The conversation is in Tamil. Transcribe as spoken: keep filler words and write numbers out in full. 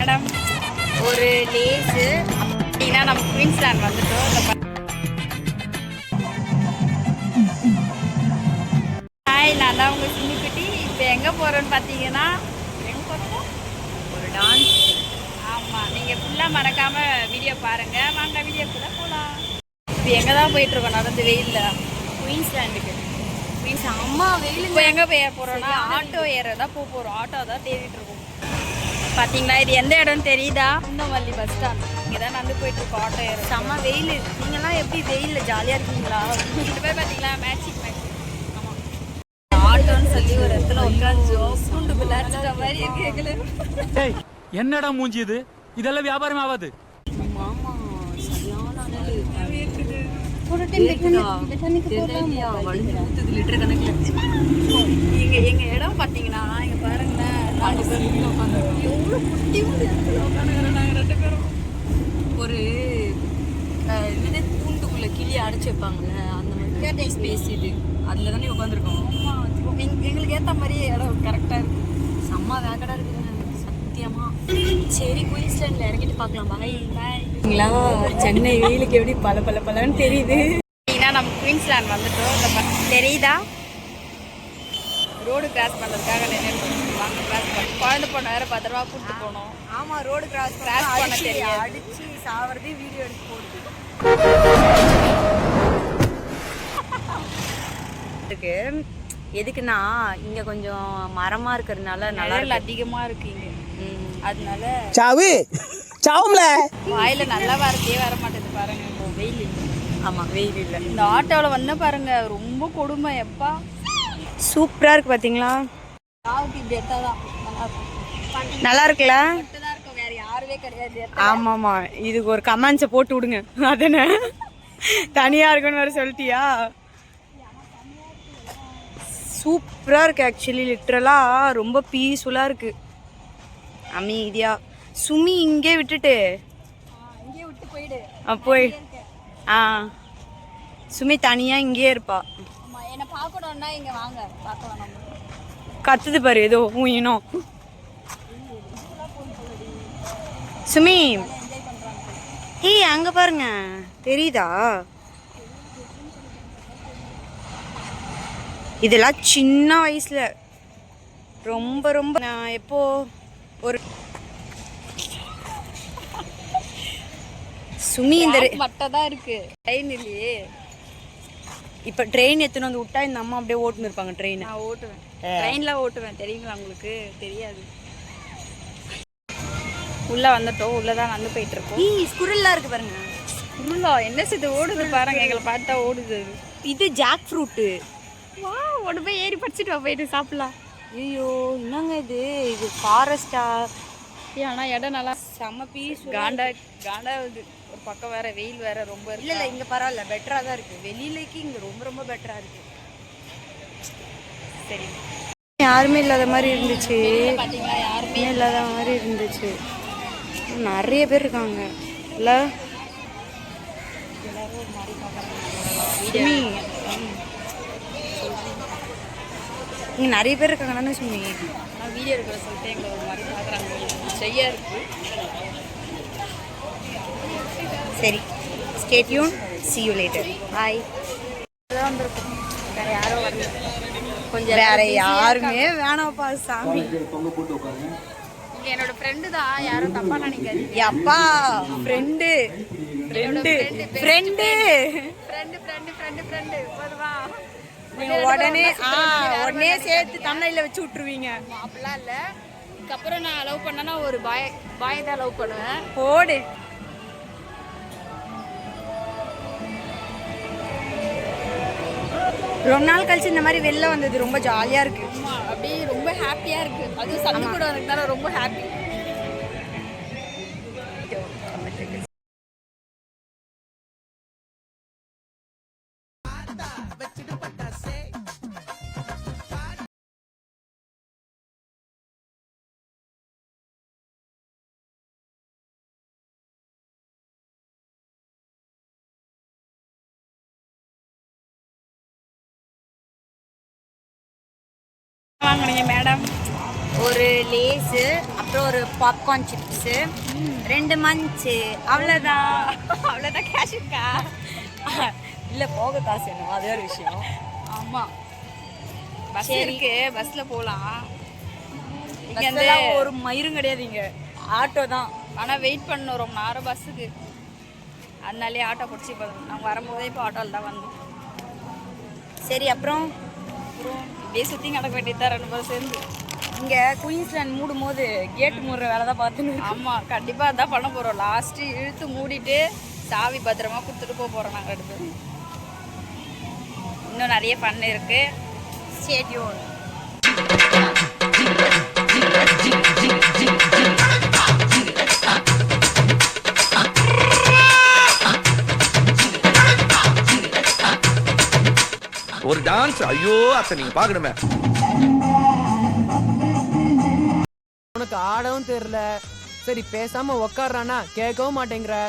மேடம் ஒரு லேஸு அப்படின்னா நம்ம குயின்ஸ்லாண்ட் வந்துட்டோம். ஹாய், நான் தான் உங்கள் சின்னிக்குட்டி. இப்போ எங்கே போகிறோன்னு பார்த்தீங்கன்னா எங்கே போகிறோம்? ஒரு டான்ஸ். ஆமாம், நீங்கள் ஃபுல்லாக மறக்காமல் வீடியோ பாருங்கள். வாங்க வீடியோக்குள்ளே போகலாம். இப்போ எங்கே தான் போயிட்டுருக்கோம் நடந்து வெயிலில்? குயின்ஸ்லாண்டுக்கு. குயின்ஸ் அம்மா வெயில். இப்போ எங்கே போய் போகிறோன்னா ஆட்டோ ஏற தான் போக போகிறோம். ஆட்டோ தான் தேடிட்டு இருக்கோம். பார்த்தீங்களா, இது எந்த இடம்னு தெரியுதா? Kundamalli bus stand. இங்கே தான் நடந்து போயிட்டுருக்கோம் ஆட்டோ ஏற. செம்ம வெயில். நீங்கள்லாம் எப்படி வெயிலில் ஜாலியாக இருக்கீங்களா? ரெண்டு பேர் பார்த்தீங்களா மேட்சிங் மேட்சிங். ஆமாம், ஆட்டோன்னு சொல்லி ஒரு இடத்துல உட்காந்து பூண்டு விளையாடுற மாதிரி இருக்கு எங்களுக்கு. என்னடா மூஞ்சி இது? இதெல்லாம் வியாபாரம் ஆகாது. மாமா சரியான லிட்டர் கணக்கில். எங்க எங்க இடம் பார்த்தீங்கன்னா இங்க பாருங்களேன், நாலு பேர் எவ்வளோ குட்டி உட்காந்துக்கிறோம் நாங்கள் ரெண்டு பேரும். ஒரு இது கூண்டுக்குள்ள கிளி அடைச்சி வைப்பாங்கல்ல, அந்த மாதிரி ஸ்பேஸ் இது. அதில் தானே உட்காந்துருக்கோம். எங்களுக்கு ஏற்ற மாதிரியே இடம் கரெக்டாக இருக்கு. செம்ம வேகடாக இருக்குதுங்க சத்தியமா. சரி, குயின்ஸ்லாண்டில் இறங்கிட்டு பார்க்கலாம். பாய் பாய்ங்களா. சென்னை வெயிலுக்கு எப்படி பல பல பலன்னு தெரியுது. நம்ம குயின்ஸ்லாண்ட் வந்துட்டோம். இந்த தெரியுதா, ரோடு கிராஸ் பண்ணுறதுக்காக நின்று வாங்க கிராஸ் பண்ணி குழந்தை பொண்ணு வேறு பத்திரமா கூப்பிட்டு போனோம். ஆமாம், ரோடு கிராஸ் கிராஸ் பண்ண தெரியாது. அடிச்சு சாவறதே வீடியோ எடுத்து போடுது இருக்கு. எதுக்குன்னா இங்கே கொஞ்சம் மரமாக இருக்கிறதுனால நல்லா அதிகமாக இருக்கு இங்கே. அதனால சாவு சாவும்ல வாயில நல்லா வரதே வர மாட்டேது பாருங்க. இப்போ வெயில். ஆமாம், வெயில் இல்லை. இந்த ஆட்டோவில் வந்து பாருங்க ரொம்ப கொடுமை. எப்பா சூப்பராக இருக்குது பார்த்தீங்களா? இப்படி எடுத்தால் தான் நல்லா இருக்குல்ல? வேறு யாருமே கிடையாது. ஆமாம் ஆமாம், இதுக்கு ஒரு கமெண்ட்ஸை போட்டு விடுங்க. அதானே தனியாக இருக்குன்னு வேறு சொல்லிட்டியா? சூப்பராக இருக்குது ஆக்சுவலி. லிட்ரலாக ரொம்ப பீஸ்ஃபுல்லாக இருக்குது, அமைதியாக. சுமி இங்கே விட்டுட்டு இங்கே விட்டு போயிடு. போய் ஆ சுமி தனியாக இங்கேயே இருப்பா. என்னை பார்க்கணுன்னா இங்கே வாங்க, பார்க்க வேணாம். கத்துது பாரு ஏதோ ஊயினோம். சுமி ஏய் அங்கே பாருங்க, தெரியுதா? இதெல்லாம் சின்ன வயசுல ரொம்ப ரொம்ப நான் எப்போ ஒரு சுமி இந்த மட்டும் தான் இருக்கு. ட்ரெயின் இல்லையே. இப்போ ட்ரெயின் எத்தனை வந்து விட்டா இந்த அம்மா அப்படியே ஓட்டுன்னு இருப்பாங்க. ட்ரெயின் நான் ஓட்டுவேன், ட்ரெயினில் ஓட்டுவேன். தெரியுங்களா உங்களுக்கு? தெரியாது. உள்ளே வந்துட்டோம். உள்ளே தான் வந்து போயிட்டு இருக்கோம். ஈ ஸ்குரில்லாம் இருக்கு பாருங்க. ஸ்குரில்லா என்ன இது ஓடுது பாருங்க. எங்களை பார்த்தா ஓடுது. இது ஜாக் ஃப்ரூட்டு. வா, ஒன்று போய் ஏறி படிச்சுட்டு வா, போயிட்டு சாப்பிடலாம். ஐயோ என்னங்க இது? இது ஃபாரஸ்டா? ஆனால் இடம் நல்லா செம்ம பீஸ். காண்டா காண்டாகுது. ஒரு பக்கம் வேற வெயில் வேற ரொம்ப இருக்கு. இல்லை இல்லை, இங்கே பரவாயில்ல, பெட்டராக தான் இருக்குது. வெளியிலைக்கு இங்கே ரொம்ப ரொம்ப பெட்டராக இருக்குது. சரி, யாருமே இல்லாத மாதிரி இருந்துச்சு. பார்த்தீங்களா, யாருமே இல்லாத மாதிரி இருந்துச்சு. நிறைய பேர் இருக்காங்க இல்லை? எல்லாரும் ஒரு மாதிரி பார்க்குறாங்க. இங்கே நிறைய பேர் இருக்காங்க தானே சுமி? நான் வீடியோ எடுக்கிற சொல்லிட்டு எங்களை ஒரு மாதிரி பார்க்குறாங்க. செய்யா இருக்கு. சரி, stay tune, see you later. Bye. அதான் வந்திருக்கோம், வேறு யாரும் வரல. கொஞ்சம் வேறு யாருமே வேணாம்ப்பா சாமி. இங்கே என்னோட ஃப்ரெண்டு தான், யாரும் தப்பாக நினைக்காதீங்க. அப்பா friend friend friend friend friend friend friend போதுவா? நீங்கள் உடனே ஆ உடனே சேர்த்து தமிழில் வச்சு விட்ருவீங்க. அப்படிலாம் இல்லை. இதுக்கப்புறம் நான் லவ் பண்ணேன்னா ஒரு பாய் பாய் தான் லவ் பண்ணுவேன். போடு. ரொம்ப நாள் கழிச்சு இந்த மாதிரி வெளில வந்தது ரொம்ப ஜாலியாக இருக்குது. ஆமாம், அப்படியே ரொம்ப ஹாப்பியாக இருக்குது. அதுவும் சண்டை கூட வரதுனால ரொம்ப ஹாப்பி. வாங்கினீங்க மேடம்? ஒரு லேஸு, அப்புறம் ஒரு பாப்கார்ன் சிப்ஸு, ரெண்டு மஞ்சு, அவ்வளோதான். அவ்வளோதான் கேஷ் இருக்கா? இல்லை, போக காசு வேணும், அது ஒரு விஷயம். ஆமாம், பஸ் இருக்கு, பஸ்ஸில் போகலாம். இங்கே வந்து இங்கெல்லாம் ஒரு மயிரும் கிடையாது, இங்கே ஆட்டோ தான். ஆனால் வெயிட் பண்ணணும் ரொம்ப நேரம் பஸ்ஸுக்கு, அதனாலே ஆட்டோ பிடிச்சி போதும். நாங்கள் வரும்போதே இப்போ ஆட்டோவில் தான் வந்தோம். சரி, அப்புறம் அப்புறம் இப்படியே சுற்றி நடக்க வேண்டியது தான் ரெண்டு பேரும் சேர்ந்து. இங்கே குயின்ஸ்லாண்ட் மூடும் போது கேட்டு மூடுற வேலை தான் பார்த்துன்னு. ஆமாம், கண்டிப்பாக அதான் பண்ண போகிறோம். லாஸ்ட்டு இழுத்து மூடிட்டு சாவி பத்திரமா கொடுத்துட்டு போக போகிறோம் நாங்கள் ரெண்டு பேரும். இன்னும் நிறைய ஃபன் இருக்குது. ஸ்டேடியோன். ஒரு டான்ஸ், ஐயோ அத்தை நீங்க பாக்கணுமே. உனக்கு ஆடவும் தெரியல, சரி பேசாம உக்காடுறானா கேட்கவும் மாட்டேங்கிற.